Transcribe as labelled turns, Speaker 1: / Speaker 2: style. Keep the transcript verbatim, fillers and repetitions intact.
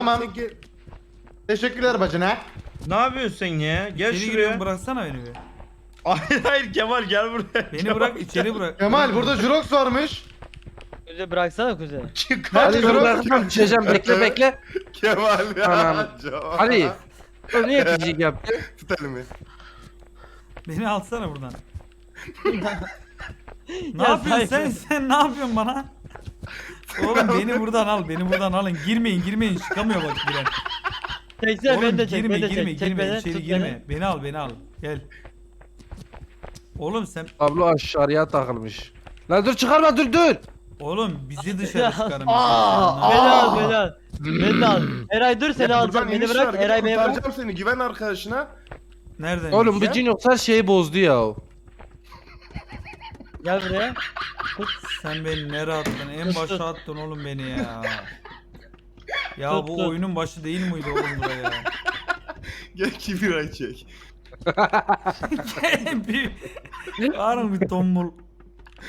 Speaker 1: Tamam. Teşekkürler bacana.
Speaker 2: Ne yapıyorsun sen ya? Gel
Speaker 3: İçeri
Speaker 2: şuraya.
Speaker 3: giriyorum, bıraksana beni bir.
Speaker 2: Hayır hayır Kemal gel buraya.
Speaker 3: Beni
Speaker 2: Kemal,
Speaker 3: bırak, içeri bırak.
Speaker 1: Kemal burada Jurox varmış.
Speaker 4: Kuze bıraksana Kuze.
Speaker 2: Çıkar.
Speaker 1: Hadi
Speaker 5: Hadi dur
Speaker 1: Jurox.
Speaker 5: bırakacağım düşeceğim bekle bekle.
Speaker 6: Kemal ya.
Speaker 5: Anam.
Speaker 6: Joe.
Speaker 5: Hadi. Dur niye picik yaptın?
Speaker 6: Tut elimi.
Speaker 3: Beni alsana buradan. ne
Speaker 4: Ya
Speaker 3: yapıyorsun sen?
Speaker 4: saygı.
Speaker 3: Sen ne yapıyorsun bana? Oğlum beni buradan al, beni buradan alın. Girmeyin, girmeyin. Çıkamıyor bak giren.
Speaker 4: Çeksene
Speaker 3: Oğlum
Speaker 4: beni de çek,
Speaker 3: girme,
Speaker 4: beni de
Speaker 3: girme,
Speaker 4: çek. Çek
Speaker 3: girme.
Speaker 4: beni,
Speaker 3: İçeri
Speaker 4: tut
Speaker 3: girme. Beni al, beni al. Gel. Oğlum sen,
Speaker 5: Kablo aşağıya takılmış. Lan dur çıkarma dur dur.
Speaker 3: oğlum bizi dışarı çıkarın.
Speaker 4: Aa,
Speaker 3: bizi.
Speaker 4: beni al, beni al. Beni de al. Eray dur seni
Speaker 6: Ya
Speaker 4: alacağım.
Speaker 6: buradan
Speaker 4: Beni
Speaker 6: iniş
Speaker 4: bırak.
Speaker 6: var, gel,
Speaker 4: Eray beni bırak.
Speaker 6: kurtaracağım seni, güven arkadaşına.
Speaker 3: Nereden?
Speaker 5: Oğlum bu
Speaker 3: ya?
Speaker 5: cin yoksa şeyi bozdu ya.
Speaker 4: Gel buraya.
Speaker 3: Sen beni nereye attın? En
Speaker 4: Tut,
Speaker 3: başa
Speaker 4: tut.
Speaker 3: attın oğlum beni ya. Ya
Speaker 4: Tut,
Speaker 3: bu
Speaker 4: tut.
Speaker 3: oyunun başı değil miydi oğlum buraya?
Speaker 6: Gel kibir ay çek.
Speaker 3: bir... Var mı bir tombul?